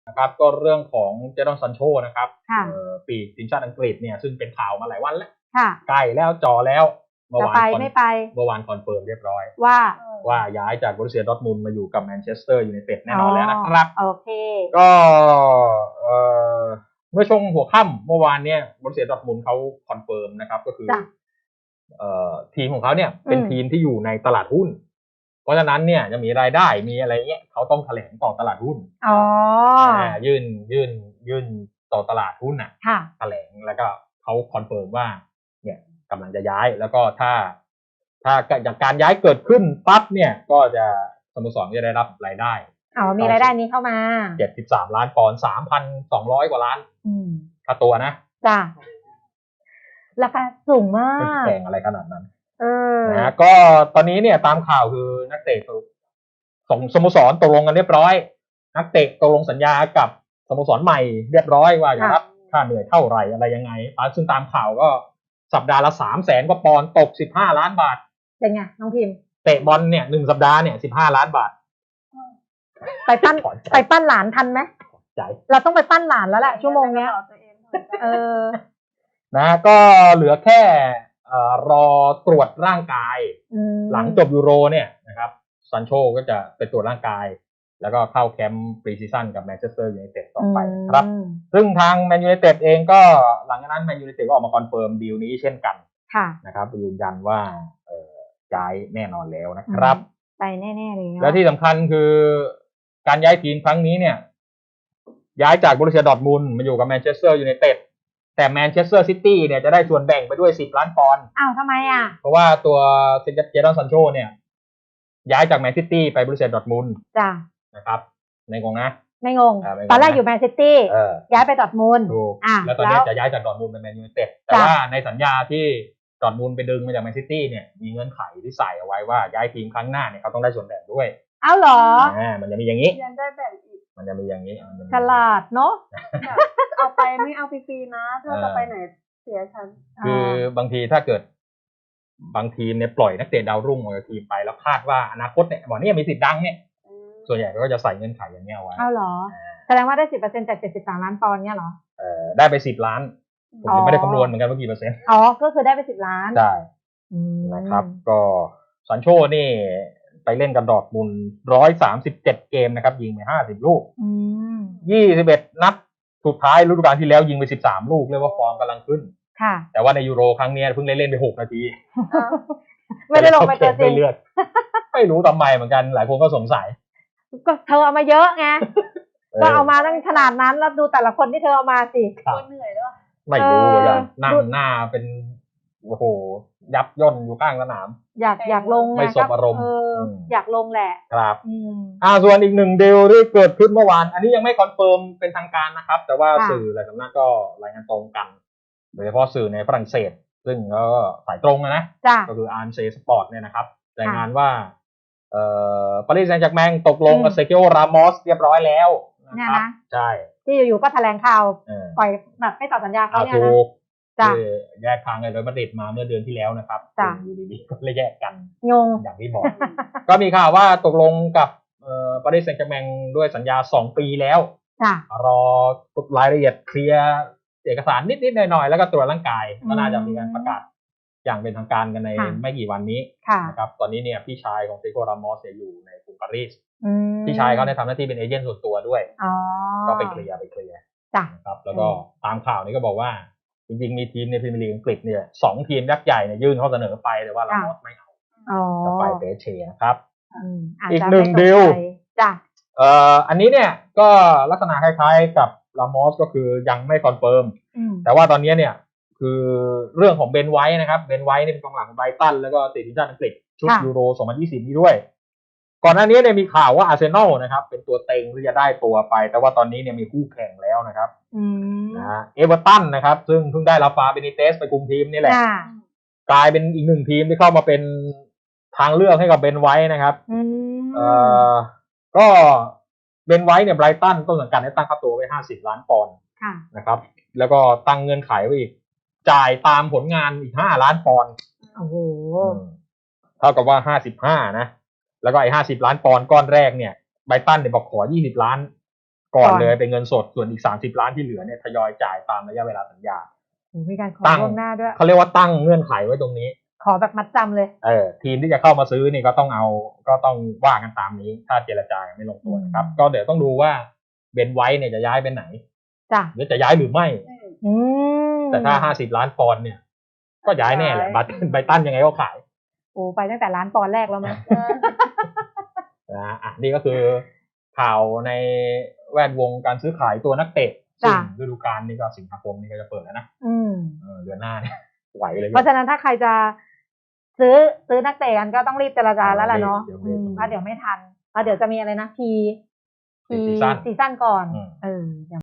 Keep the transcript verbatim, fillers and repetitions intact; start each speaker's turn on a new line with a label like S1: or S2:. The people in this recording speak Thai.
S1: นะครับก็เรื่องของเจดอนซันโชนะครับ
S2: ค่ะ
S1: ปีกทีมชาติอังกฤษเนี่ยซึ่งเป็นข่าวมาหลายวันแล้ว
S2: ค่ะ
S1: ใกล้แล้วจ่อแล้วเมื่อ
S2: จะ
S1: วาน
S2: ไป
S1: คอน
S2: ไม่ไป
S1: เมื่อวานคอนเฟิร์มเรียบร้อย
S2: ว่า
S1: ว่าย้ายจากบรูเซียดอร์ทมุนด์มาอยู่กับแมนเชสเตอร์ยูไนเต็ดแน่นอนแล้วนะครับ
S2: โอเค
S1: ก็เอ่อเมื่อช่วงหัวค่ำเมื่อวานเนี่ยบรูเซียดอร์ทมุนด์เขาคอนเฟิร์มนะครับก็คือ
S2: จ้ะ
S1: เอ่อทีมของเขาเนี่ยเป็น
S2: อืม
S1: ทีมที่อยู่ในตลาดหุ้น เพราะฉะนั้นเนี่ยจะมีรายได้มีอะไรเงี้ยเขาต้องแถลงต่อตลาดหุ้น
S2: อ๋อ
S1: อ่ายื่นยื่นยื่นต่อตลาดหุ้นน่ะ
S2: ค่ะ
S1: แถลงแล้วก็เขาคอนเฟิร์มว่าเนี่ยกำลังจะย้ายแล้วก็ถ้า ถ้าจากการย้ายเกิดขึ้นปั๊บเนี่ยก็จะสโมสรจะได้รับรายได้
S2: อ๋อ มีรายได้นี้เข้ามา
S1: เจ็ดสิบสามล้านปอนด์ สามพันสองร้อย กว่าล้าน
S2: อืม
S1: ค่าตัวนะ
S2: จ้ะ ราคาสูงมา
S1: ไม่
S2: ก
S1: แพงอะไรขนาดนั้น
S2: เออ
S1: นะก็ตอนนี้เนี่ยตามข่าวคือนักเตะสองสโมสรตกลงกันเรียบร้อย นักเตะตกลงสัญญากับสโมสรใหม่เรียบร้อยว่าจะรับค่าเหนื่อยเท่าไหร่อะไรยังไงซึ่งตามข่าวก็สัปดาห์ละสามแสนกว่าปอนด์ตกสิบห้าล้านบาท
S2: เป็นไงน้องพิมพ์
S1: เตะบอลเนี่ยหนึ่งสัปดาห์เนี่ยสิบห้าล้านบาท
S2: ไปปั้น
S1: ถอนใจ
S2: ไปปั้นหลานทันไหม
S1: ใจ
S2: เราต้องไปปั้นหลานแล้วแหละชั่วโมงเนี้ย เออ
S1: นะก็เหลือแค่เอ่อรอตรวจร่างกาย
S2: อืม
S1: หลังจบยูโรเนี่ยนะครับซันโชก็จะไปตรวจร่างกาย แล้วก็เข้าแคมป์ปรีซีซั่นกับแมนเชสเตอร์ยูไนเต็ดต่อไปนะครับ
S2: อืม
S1: ซึ่งทางแมนยูไนเต็ดเองก็หลังจากนั้นแมนยูไนเต็ดก็ออกมาคอนเฟิร์มดีลนี้เช่นกัน
S2: ค่ะ
S1: นะครับยืนยันว่าเอ่อย้ายแน่นอนแล้วนะครับ
S2: ไปแน่ๆเลยเนอะ
S1: และที่สำคัญคือการย้ายทีมครั้งนี้เนี่ยย้ายจากบรูเซียดอร์ทมุนด์มาอยู่กับแมนเชสเตอร์ยูไนเต็ดแต่แมนเชสเตอร์ซิตี้เนี่ยจะได้ส่วนแบ่งไปด้วยสิบล้านปอนด์
S2: อ้าวทำไมอ่ะ
S1: เพราะว่าตัวเจดอนซันโชเนี่ยย้ายจากแมนซิตี้ไปบรูเซียดอร์ทมุนด์
S2: จ้ะ
S1: นะครับในงงนะ
S2: ไม่งง
S1: อ่าไม่งง
S2: ตอนแรกอยู่แมนซิตี้
S1: เออ
S2: ย้ายไปดอร์ทมุนด์
S1: ถูก
S2: อ่ะ
S1: แล้วตอนนี้จะย้ายจากดอร์ทมุนด์ไปแมนยูไนเต็ดแต่
S2: จ้ะ
S1: ว่าในสัญญาที่ดอร์ทมุนด์ไปดึงมาจากแมนซิตี้เนี่ยมีเงื่อนไขที่ใส่เอาไว้ว่าย้ายทีมครั้งหน้าเนี่ยเขาต้องได้ส่วนแบ่งด้วย
S2: เอ้าเหรอ
S1: อ่ามันจะมีอย่างนี้
S3: ยังได้แบ่งอีก
S1: มันจะมีอย่างนี้มันจะมี
S2: ฉลาดเนาะ
S3: แบบเอาไปไม่เอาฟรีๆนะถ้าจะไปไหนเสียฉัน
S1: คือบางทีถ้าเกิดบางทีมเนี่ยปล่อยนักเตะดาวรุ่งออกจากทีมไปแล้วคาดว่าอนาคตเนี่ยบอกเนี่ยมีสิทธิ์ดังเนี่ยส่วนใหญ่ก็จะใส่เงื่อนไขอย่างเงี้ยเอาไว้
S2: เอ้าเหรอ แสดงว่าได้สิบเปอร์เซ็นต์จากเจ็ดสิบสามล้านปอนด์เนี่ยเหรอ
S1: เอ่อได้ไปสิบล้านผม
S2: อ๋
S1: ยัง
S2: อ
S1: ไม่ได้คำนวณเหมือนกันว่ากี่เปอร์เซ็นต์
S2: อ๋อ ก็คือได้ไปสิบล้าน
S1: ได้
S2: อืม
S1: นะครับก็ซันโชนี่ไปเล่นกับดอร์ทมุนด์ร้อยสามสิบเจ็ดเกมนะครับยิงไปห้าสิบลูก
S2: อืม
S1: ยี่สิบเอ็ดนัดสุดท้ายฤดูกาลที่แล้วยิงไปสิบสามลูกเรียกว่าฟอร์มกำลังขึ้น
S2: ค่ะ
S1: แต่ว่าในยูโรครั้งนี้เพิ่งได้เล่นไปหกนาที
S2: ไม่ได้ลงไปตัวจริ
S1: ไม่
S2: ง
S1: เลือด ไม่รู้ทำไมเหมือนกันหลายคนก็สงสัย
S2: ก็เธอเอามาเยอะไง
S1: เออ
S2: ก็เอามาตั้งขนาดนั้นแล้วดูแต่ละคนที่เธอเอามาสิ
S1: ครับ
S3: คนเหนื่อยด้วย
S1: ไม่รู้เหมือนกัน
S2: เออ
S1: นั่ง
S2: ดู
S1: หน้าเป็นโอ้โหยับย่นอยู่ข้างสนาม
S2: อยากอยากลงง
S1: ไม่สบอารมณ์
S2: เอออ
S1: ม
S2: อยากลงแหละ
S1: ครับ
S2: อืม
S1: อ่าส่วนอีกหนึ่งดีลที่เกิดขึ้นเมื่อวาน อันนี้ยังไม่คอนเฟิร์มเป็นทางการนะครับ แต่ว่า
S2: ค่ะ
S1: สื่อหลายสำนักก็รายงานตรงกัน โดยเฉพาะสื่อในฝรั่งเศส ซึ่งก็สายตรงนะ
S2: จ้ะ
S1: ก็คืออาร์เซสปอร์ตเนี่ยนะครับรายงาน
S2: ค่ะ
S1: ว่าเอ่อปารีสแซงต์แชร์กแมงตกลงกับ
S2: อืม
S1: เซเกียวรามอสเรียบร้อยแล้วนะครับ
S2: เนี่ยนะ
S1: ใช่
S2: ที่อยู่ๆก็แถลงข่าว
S1: เออ
S2: ปล่อยแบบไม่ต่อสัญญาเขา
S1: เอา
S2: เนี่ย
S1: ถู
S2: นะ
S1: ก
S2: จ้ะ
S1: ที่แยกทางกันโดยมาดริดมาเมื่อเดือนที่แล้วนะครับ
S2: จ้ะ
S1: อยู่ดีๆก็เลยแยกกัน
S2: งง
S1: อย่างที่บอก ก็มีข่าวว่าตกลงกับเอ่อปารีสแซงต์แชร์กแมงด้วยสัญญาสองปีแล้ว
S2: จ้ะ
S1: รอรายละเอียดเคลียร์เอกสารนิดๆหน่อยๆแล้วก็ตรวจร่างกาย
S2: อืม
S1: ก็น่าจะมีการประกาศอย่างเป็นทางการกันใน
S2: ค่ะ
S1: ไม่กี่วันนี้
S2: ค่ะ
S1: นะครับตอนนี้เนี่ยพี่ชายของเซโกรามอสเนี่ยอยู่ในกรุงปารีส
S2: อืม
S1: พี่ชายเขาได้ทำหน้าที่เป็นเอเจนต์ส่วนตัวด้วย
S2: อ๋อ
S1: ก็ไปเคลียร์ไปเคลียร์
S2: จ้ะ
S1: นะครับแล้วก็
S2: อืม
S1: ตามข่าวนี้ก็บอกว่า จริงๆมีทีมในพรีเมียร์ลีกอังกฤษเนี่ยสองทีมยักษ์ใหญ่เนี่ยยื่นข้อเสนอไปแต่ว่ารามอสไม่เอา
S2: อ๋อ
S1: จะไปเปเชนะครับ
S2: อืมอาจ
S1: อีก
S2: จะ
S1: หนึ่ง
S2: ไม่ตร
S1: ดีล
S2: ใจจ้ะ
S1: เอ่ออันนี้เนี่ยก็ลักษณะคล้ายๆกับรามอสก็คือยังไม่คอนเฟิร์ม
S2: อืม
S1: แต่ว่าตอนนี้เนี่ยคือเรื่องของเบนไวท์นะครับเบนไวท์นี่เป็นกองหลังของไบรตันแล้วก็ติดทีมชาติอังกฤษชุด
S2: ค่ะ
S1: ยูโรสองพันยี่สิบนี้ด้วย ก่อนหน้านี้เนี่ยมีข่าวว่าอาร์เซนอลนะครับเป็นตัวเต็งที่จะได้ตัวไป แต่ว่าตอนนี้เนี่ยมีคู่แข่งแล้วนะครับ
S2: อืม
S1: นะฮะเอเวอร์ตันนะครับซึ่งเพิ่งได้ลาฟาเบนิเตสไปคุมทีมนี่แหละ
S2: อ่าก
S1: ลายเป็นอีกหนึ่งทีมที่เข้ามาเป็นทางเลือกให้กับเบนไวท์นะครับ
S2: อืม
S1: เอ่อก็เบนไวท์เนี่ยไบรตันต้นสังกัดได้ตั้งค่าตัวไว้ห้าสิบล้านปอนด์
S2: ค่ะ
S1: นะครับแล้วก็ตั้งเงื่อนไขไว้อีกจ่ายตามผลงานอีกห้าล้านปอนด์
S2: โอ้โห
S1: เท่ากับว่าห้าสิบห้านะแล้วก็ไอ้ห้าสิบล้านปอนด์ก้อนแรกเนี่ยไบรตันเนี่ยบอกขอยี่สิบล้านก่อน
S2: ก่อน
S1: เลยเป็นเงินสดส่วนอีกสามสิบล้านที่เหลือเนี่ยทยอยจ่ายตามระยะเวลาสัญญา
S2: โอ้มีการขอ
S1: ตั้ง
S2: ล่วงหน้าด้วย
S1: เขาเรียกว่าตั้งเงื่อนไขไว้ตรงนี้
S2: ขอแบบมัดจำเลย
S1: เออทีมที่จะเข้ามาซื้อนี่ก็ต้องเอาก็ต้องว่ากันตามนี้ ถ้าเจรจากันไม่ลงตัวนะครับ
S2: อืม
S1: ก็เดี๋ยวต้องดูว่าเบนไว้เนี่ยจะย้ายไปไหน
S2: จ้ะ
S1: หรือจะย้ายหรือไม่
S2: อืม
S1: แต่ถ้าห้าสิบล้านปอนด์เนี่ย ก็ย้ายแน่แหละ
S3: ย้าย
S1: บัตไบตันยังไงก็ขาย
S2: โอ้ไปตั้งแต่ร้านปอนด์แรกแล้วมั้ย
S1: นะอ่ะนี่ก็คือข่าวในแวดวงการซื้อขายตัวนักเตะซึ่ง
S2: จ้ะ
S1: ฤดูกาลนี้ก็สิงหาคมนี่ก็จะเปิดแล้วนะ
S2: อืม
S1: เออเดือนหน้าเนี่ยไหวเลย
S2: เพราะฉะนั้นถ้าใครจะซื้อซื้อนักเตะกันก็ต้องรีบเจรจาแล้วล่ะเนาะ
S1: เดี๋ยว
S2: อื
S1: เดี๋ยว
S2: มเพราะเดี๋ยวไม่ทันเพราะเดี๋ยวจะมีอะไรนะพี
S1: ซีซั่น
S2: ซีซั่นก่อน
S1: อืม
S2: เออ